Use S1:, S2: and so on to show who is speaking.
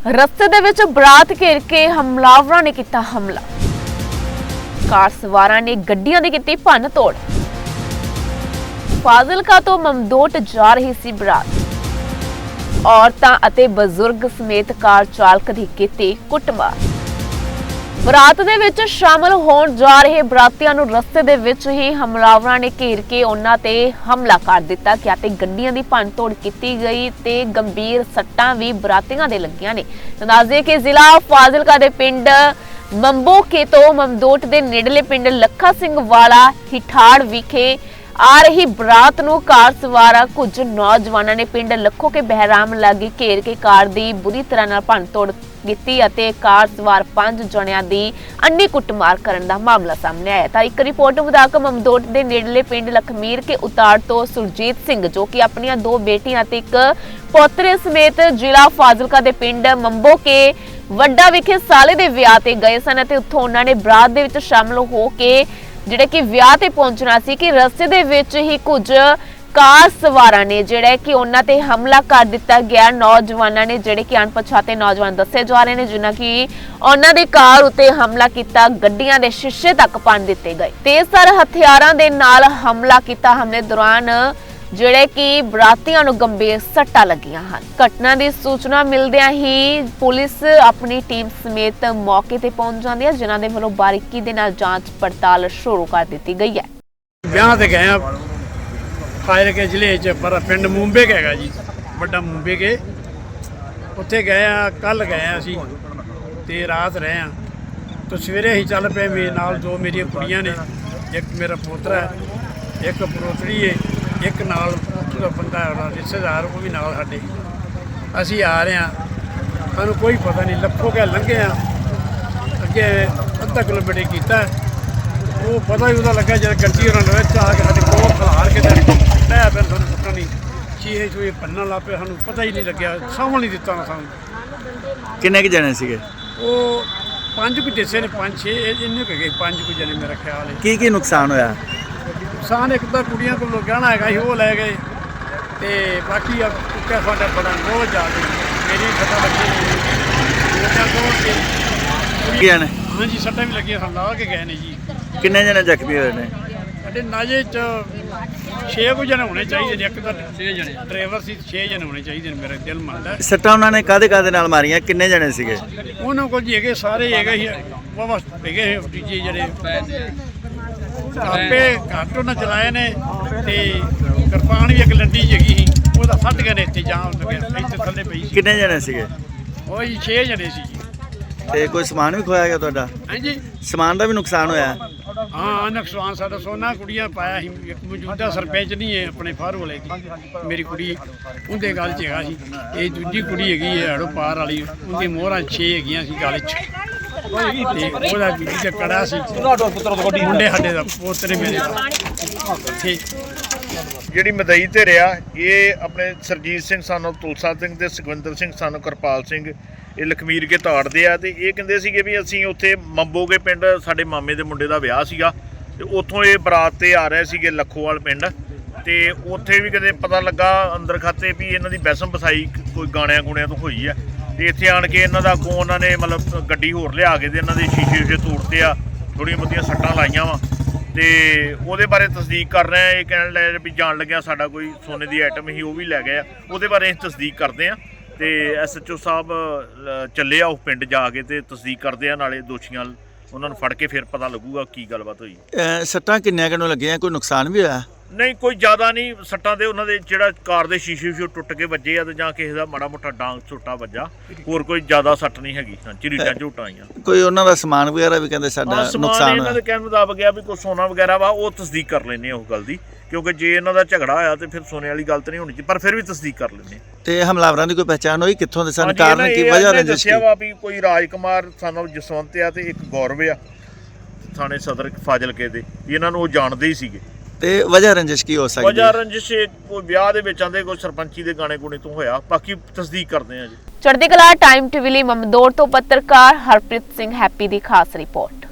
S1: रस्ते दे विच बरात घेर के हमलावरां ने किया हमला। कार सवारां ने गड्डियां दी कीती भन्न तोड़। फाजिलका तो ममदोट जा रही सी बरात। औरतां अते बजुर्ग समेत कार चालक दी कीती कुੱਟਮਾਰ। बरात दे विच शामिल होण जा रहे बरातियां नूं रस्ते दे विच ही हमलावरां ने घेर के उन्हां ते हमला कर दिता गया ते गड्डियां दी भन्न तोड़ कीती गई ते गंभीर सट्टां भी बरातियां दे लगियां ने। दस्सदे कि जिला फाजिलका दे पिंड मंबोके तो ममदोट दे नेड़ले पिंड लखा सिंह वाला हिठाड़ विखे आ रही बरात नूं कार सवार कुछ नौजवानों ने पिंड लखो के बहराम लागे घेर के कार दी बुरी तरह नाल भन्न तोड़ कीती अते कार सवार 5 जणियां दी अन्नी कुੱਟਮਾਰ करन दा मामला सामने आया। तां एक रिपोर्ट मुताबिक ममदोट दे नेड़ले पिंड लखमीर के उताड़ तो सुरजीत सिंह जो कि अपनी 2 बेटियां ते एक पोतरे समेत जिला फाजिलका दे पिंड मंबो के वड्डा विखे साले दे विआह ते गए सन ते उत्थों उन्हां ने बरात दे विच शामिल हो के ਜਿਹੜੇ ਕਿ ਵਿਆਹ ਤੇ ਪਹੁੰਚਣਾ ਸੀ ਕਿ ਰਸਤੇ ਦੇ ਵਿੱਚ ਹੀ ਕੁਝ ਕਾਰ ਸਵਾਰਾਂ ਨੇ ਜਿਹੜਾ ਕਿ ਉਹਨਾਂ ਤੇ ਹਮਲਾ ਕਰ ਦਿੱਤਾ ਗਿਆ। ਨੌਜਵਾਨਾਂ ਨੇ ਜਿਹੜੇ ਕਿ ਅਣਪਛਾਤੇ ਨੌਜਵਾਨ ਦੱਸੇ ਜਾ ਰਹੇ ਨੇ ਜਿਨ੍ਹਾਂ ਕਿ ਉਹਨਾਂ ਦੀ ਕਾਰ ਉੱਤੇ ਹਮਲਾ ਕੀਤਾ, ਗੱਡੀਆਂ ਦੇ ਸ਼ੀਸ਼ੇ ਤੱਕ ਭੰਨ ਦਿੱਤੇ ਗਏ। ਤੇਜ਼ਧਾਰ ਹਥਿਆਰਾਂ ਦੇ ਨਾਲ ਹਮਲਾ ਕੀਤਾ। ਹਮਲੇ ਦੌਰਾਨ ਜਿਹੜੇ ਕਿ ਬਰਾਤੀਆਂ ਨੂੰ ਗੰਭੀਰ ਸੱਟਾਂ ਲੱਗੀਆਂ ਹਨ। ਘਟਨਾ ਦੀ ਸੂਚਨਾ ਮਿਲਦਿਆਂ ਹੀ ਪੁਲਿਸ ਆਪਣੀ ਟੀਮ ਸਮੇਤ ਮੌਕੇ ਤੇ ਪਹੁੰਚ ਜਾਂਦੀ ਹੈ ਜਿਨ੍ਹਾਂ ਦੇ ਵੱਲੋਂ ਬਾਰੀਕੀ ਦੇ ਨਾਲ ਜਾਂਚ ਪੜਤਾਲ ਸ਼ੁਰੂ ਕਰ ਦਿੱਤੀ ਗਈ ਹੈ।
S2: ਵਿਆਹ ਤੇ ਗਏ ਆ ਫਾਜ਼ਿਲਕੇ ਜ਼ਿਲ੍ਹੇ 'ਚ ਪਰ ਪਿੰਡ ਮੁੰਬੇ ਹੈਗਾ ਜੀ, ਵੱਡਾ ਮੁੰਬੇ ਕੇ ਉੱਥੇ ਗਏ ਆ। ਕੱਲ ਗਏ ਆ ਅਸੀਂ ਤੇ ਰਾਤ ਰਹੇ ਆ ਤੇ ਸਵੇਰੇ ਹੀ ਚੱਲ ਪਏ। ਮੇਰੇ ਨਾਲ 2 ਮੇਰੀਆਂ ਕੁੜੀਆਂ ਨੇ, ਇੱਕ ਮੇਰਾ ਪੋਤਰਾ ਹੈ, ਇੱਕ ਪੋਤਰੀ ਹੈ, ਇੱਕ ਨਾਲ ਬੰਦਾ ਰਿਸ਼ਤੇਦਾਰ ਉਹ ਵੀ ਨਾਲ ਸਾਡੇ। ਅਸੀਂ ਆ ਰਹੇ ਹਾਂ, ਸਾਨੂੰ ਕੋਈ ਪਤਾ ਨਹੀਂ। ਲੱਖੋ ਕੇ ਲੰਘੇ ਆ, ਅੱਗੇ ਅੱਧਾ ਕਿਲੋਮੀਟਰ ਕੀਤਾ, ਉਹ ਪਤਾ ਹੀ ਉਹਦਾ ਲੱਗਾ ਜਦ ਗੱਡੀ ਉਹਨਾਂ ਨੇ ਵਿੱਚ ਆ ਕੇ ਸਾਡੇ ਕੋਲ ਖਲਾਰ ਕੇ ਲੈ ਫਿਰ ਸਾਨੂੰ ਪਤਾ ਨਹੀਂ ਚੀਹੇ ਚੂਹੇ ਭੰਨਣ ਲੱਗ ਪਏ। ਸਾਨੂੰ ਪਤਾ ਹੀ ਨਹੀਂ ਲੱਗਿਆ, ਸਾਂਭਣ ਨਹੀਂ ਦਿੱਤਾ ਨਾ ਸਾਨੂੰ।
S3: ਕਿੰਨੇ ਕੁ ਜਣੇ ਸੀਗੇ?
S2: ਉਹ 5 ਕੁ ਦੱਸੇ ਨੇ, 5-6 ਇੰਨੇ ਕੁ ਗਏ, 5 ਕੁ ਜਣੇ ਮੇਰਾ ਖਿਆਲ ਹੈ।
S3: ਕੀ ਨੁਕਸਾਨ ਹੋਇਆ?
S2: ਨੁਕਸਾਨ ਇੱਕ ਤਾਂ ਕੁੜੀਆਂ ਕੋਲ ਗਹਿਣਾ ਹੈਗਾ ਸੀ ਉਹ ਲੈ ਗਏ ਤੇ ਬਾਕੀ ਆ ਕੁੱਟਿਆ ਸਾਡਾ ਬੜਾ ਬਹੁਤ ਜ਼ਿਆਦਾ ਮੇਰੀ ਸੱਟਾਂ ਲੱਗੀਆਂ
S3: ਕੀ ਨੇ?
S2: ਹਾਂਜੀ ਸੱਟਾਂ ਵੀ ਲੱਗੀਆਂ, ਸਾਨੂੰ ਲਾ ਕੇ ਗਏ ਨੇ ਜੀ।
S3: ਕਿੰਨੇ ਜਣੇ ਜ਼ਖਮੀ ਹੋਏ ਨੇ?
S2: ਸਾਡੇ ਨਾਜੇ 'ਚ 6 ਕੁ ਜਣੇ ਹੋਣੇ ਚਾਹੀਦੇ ਨੇ। ਇੱਕ ਤਾਂ 6 ਜਣੇ ਡਰਾਈਵਰ ਸੀ, 6 ਜਣੇ ਹੋਣੇ ਚਾਹੀਦੇ ਨੇ, ਮੇਰਾ ਦਿਲ ਮੰਨਦਾ।
S3: ਸੱਟਾਂ ਉਹਨਾਂ ਨੇ ਕਾਹਦੇ ਨਾਲ ਮਾਰੀਆਂ? ਕਿੰਨੇ ਜਣੇ ਸੀਗੇ?
S2: ਉਹਨਾਂ ਕੋਲ ਜੀ ਹੈਗੇ ਸਾਰੇ ਹੈਗੇ ਸੀ, ਵਾਹਵਾ ਹੈਗੇ ਤੀਜੇ ਜਿਹੜੇ ਆਪੇ ਘੱਟ ਉਹਨਾਂ ਚਲਾਏ ਨੇ ਤੇ ਕਿਰਪਾਨ ਵੀ ਇੱਕ ਲੰਡੀ ਹੈਗੀ ਸੀ, ਉਹਦਾ ਫੱਟ ਗਏ ਨੇ ਇੱਥੇ ਜਾਮ ਲੱਗਿਆ, ਇੱਥੇ ਥੱਲੇ ਪਈ ਸੀ।
S3: ਕਿੰਨੇ ਜਣੇ ਸੀਗੇ?
S2: ਉਹ ਜੀ 6 ਜਣੇ ਸੀ ਜੀ।
S3: ਤੇ ਕੋਈ ਸਮਾਨ ਵੀ ਖੋਇਆ ਗਿਆ ਤੁਹਾਡਾ?
S2: ਹਾਂਜੀ
S3: ਸਮਾਨ ਦਾ ਵੀ ਨੁਕਸਾਨ ਹੋਇਆ?
S2: ਹਾਂ ਨੁਕਸਾਨ ਸਾਡਾ ਸੋਨਾ ਕੁੜੀਆਂ ਪਾਇਆ ਸੀ। ਇੱਕ ਮੌਜੂਦਾ ਸਰਪੰਚ ਨਹੀਂ ਹੈ ਆਪਣੇ ਫਾਰ ਵਾਲੇ ਦੀ, ਮੇਰੀ ਕੁੜੀ ਉਹਦੇ ਗੱਲ 'ਚ ਹੈਗਾ ਸੀ। ਇਹ ਦੂਜੀ ਕੁੜੀ ਹੈਗੀ ਹੈ ਹੜੋ ਪਾਰ ਵਾਲੀ, ਉਹਦੀ ਮੋਹਰਾਂ 6 ਹੈਗੀਆਂ ਸੀ ਗੱਲ 'ਚ ਤੇ ਉਹਦਾ ਵੀ ਕੜਾ ਸੀ। ਮੁੰਡੇ ਸਾਡੇ ਦਾ ਪੋਤਰੇ ਮੇਰੇ ਦਾ
S4: ਜਿਹੜੀ ਮਦਈ ਤੇ ਰਿਹਾ ਇਹ ਆਪਣੇ ਸਰਜੀਤ ਸਿੰਘ ਸਾਨੂੰ ਤੁਲਸਾ ਸਿੰਘ ਤੇ ਸੁਖਵਿੰਦਰ ਸਿੰਘ ਸਾਨੂੰ ਕਿਰਪਾਲ ਸਿੰਘ ਇਹ ਲਖਮੀਰ ਕੇ ਤਾੜਦੇ ਆ। ਤੇ ਇਹ ਕਹਿੰਦੇ ਸੀਗੇ ਵੀ ਅਸੀਂ ਉੱਥੇ ਮੰਬੋਗੇ ਪਿੰਡ ਸਾਡੇ ਮਾਮੇ ਦੇ ਮੁੰਡੇ ਦਾ ਵਿਆਹ ਸੀਗਾ ਤੇ ਉੱਥੋਂ ਇਹ ਬਰਾਤ ਤੇ ਆ ਰਹੇ ਸੀਗੇ ਲੱਖੋਵਾਲ ਪਿੰਡ ਤੇ ਉੱਥੇ ਵੀ ਕਦੇ ਪਤਾ ਲੱਗਾ ਅੰਦਰ ਖਾਤੇ ਵੀ ਇਹਨਾਂ ਦੀ ਬੈਸਮ ਬਸਾਈ ਕੋਈ ਗਾਣਿਆਂ ਗੁਣਿਆਂ ਤੋਂ ਹੋਈ ਆ ਤੇ ਇੱਥੇ ਆਣ ਕੇ ਇਹਨਾਂ ਦਾ ਅੱਗੋਂ ਉਹਨਾਂ ਨੇ ਮਤਲਬ ਗੱਡੀ ਹੋਰ ਲਿਆ ਕੇ ਤੇ ਇਹਨਾਂ ਦੇ ਸ਼ੀਸ਼ੇ ਤੋੜਦੇ ਆ, ਥੋੜ੍ਹੀਆਂ ਬਹੁਤੀਆਂ ਸੱਟਾਂ ਲਾਈਆਂ ਵਾ ਤੇ ਉਹਦੇ ਬਾਰੇ ਤਸਦੀਕ ਕਰ ਰਹੇ ਆ। ਇਹ ਕਹਿਣ ਲੱਗੇ ਵੀ ਜਾਣ ਲੱਗਿਆ ਸਾਡਾ ਕੋਈ ਸੋਨੇ ਦੀ ਆਈਟਮ ਸੀ ਉਹ ਵੀ ਲੈ ਗਏ ਆ, ਉਹਦੇ ਬਾਰੇ ਅਸੀਂ ਤਸਦੀਕ ਕਰਦੇ ਆ ਤੇ SHO ਸਾਹਿਬ ਚੱਲੇ ਆ ਉਹ ਪਿੰਡ ਜਾ ਕੇ ਤੇ ਤਸਦੀਕ ਕਰਦੇ ਆ, ਨਾਲੇ ਦੋਸ਼ੀਆਂ ਉਹਨਾਂ ਨੂੰ ਫੜ ਕੇ ਫਿਰ ਪਤਾ ਲੱਗੂਗਾ ਕੀ ਗੱਲਬਾਤ ਹੋਈ।
S3: ਸੱਟਾਂ ਕਿੰਨੀਆਂ ਕਿਨੂੰ ਲੱਗੀਆਂ? ਕੋਈ ਨੁਕਸਾਨ ਵੀ ਹੋਇਆ?
S4: ਨਹੀਂ ਕੋਈ ਜ਼ਿਆਦਾ ਨਹੀਂ ਸੱਟਾਂ ਦੇ ਉਹਨਾਂ ਦੇ ਜਿਹੜਾ ਕਾਰ ਦੇ ਸ਼ੀਸ਼ੇ ਟੁੱਟ ਕੇ ਵੱਜੇ ਆ ਤੇ ਜਾਂ ਕਿਸੇ ਦਾ ਮਾੜਾ ਮੋਟਾ ਡਾਂਗ ਛੋਟਾ ਵੱਜਾ, ਹੋਰ ਕੋਈ ਜ਼ਿਆਦਾ ਸੱਟ ਨਹੀਂ ਹੈਗੀ। ਝਰੀਟਾਂ ਝੂਟਾਂ ਆਈਆਂ।
S3: ਕੋਈ ਉਹਨਾਂ ਦਾ ਸਮਾਨ ਵਗੈਰਾ ਵੀ ਕਹਿੰਦੇ ਸਾਡਾ ਨੁਕਸਾਨ
S4: ਇਹਨਾਂ ਦੇ ਕਹਿਣ ਮੁਤਾਬਕ ਗਿਆ ਵੀ ਕੋਈ ਸੋਨਾ ਵਗੈਰਾ ਵਾ, ਉਹ ਤਸਦੀਕ ਕਰ ਲੈਂਦੇ ਆ ਉਹ ਗੱਲ ਦੀ, ਕਿਉਂਕਿ ਜੇ ਇਹਨਾਂ ਦਾ ਝਗੜਾ ਹੋਇਆ ਤੇ ਫਿਰ ਸੋਨੇ ਵਾਲੀ ਗੱਲ ਤਾਂ ਨਹੀਂ ਹੋਣੀ ਚਾਹੀਦੀ, ਪਰ ਫਿਰ ਵੀ ਤਸਦੀਕ ਕਰ ਲੈਂਦੇ।
S3: ਤੇ ਹਮਲਾਵਰਾਂ ਦੀ ਕੋਈ ਪਹਿਚਾਣ ਹੋਈ ਕਿੱਥੋਂ ਦੇ ਸਨ? ਕਾਰਨ ਕੀ ਵਜ੍ਹਾ ਰੰਜਿਸ਼?
S4: ਦੱਸਿਆ ਵਾ ਵੀ ਕੋਈ ਰਾਜਕੁਮਾਰ ਸਾਨੂੰ ਜਸਵੰਤ ਆ ਤੇ ਇੱਕ ਗੌਰਵ ਆ ਥਾਣੇ ਸਦਰ ਫਾਜ਼ਿਲਕੇ ਦੇ, ਇਹਨਾਂ ਨੂੰ ਉਹ ਜਾਣਦੇ ਹੀ ਸੀਗੇ।
S3: ਤੇ ਵਜ੍ਹਾ ਰੰਜਿਸ਼ ਕੀ ਹੋ ਸਕਦੀ?
S4: ਵਜ੍ਹਾ ਰੰਜਿਸ਼ ਕੋਈ ਵਿਆਹ ਦੇ ਵਿੱਚ ਆਂਦੇ ਕੋਈ ਸਰਪੰਚੀ ਦੇ ਗਾਣੇ ਗੁਣੇ ਤੋਂ ਹੋਇਆ, ਬਾਕੀ ਤਸਦੀਕ ਕਰਦੇ ਆ ਜੀ।
S1: ਚੜ੍ਹਦੀ ਕਲਾ ਟਾਈਮ ਟੀਵੀ ਲਈ ਮਮਦੋਟ ਤੋਂ ਪੱਤਰਕਾਰ ਹਰਪ੍ਰੀਤ ਸਿੰਘ ਹੈਪੀ ਦੀ ਖਾਸ ਰਿਪੋਰਟ।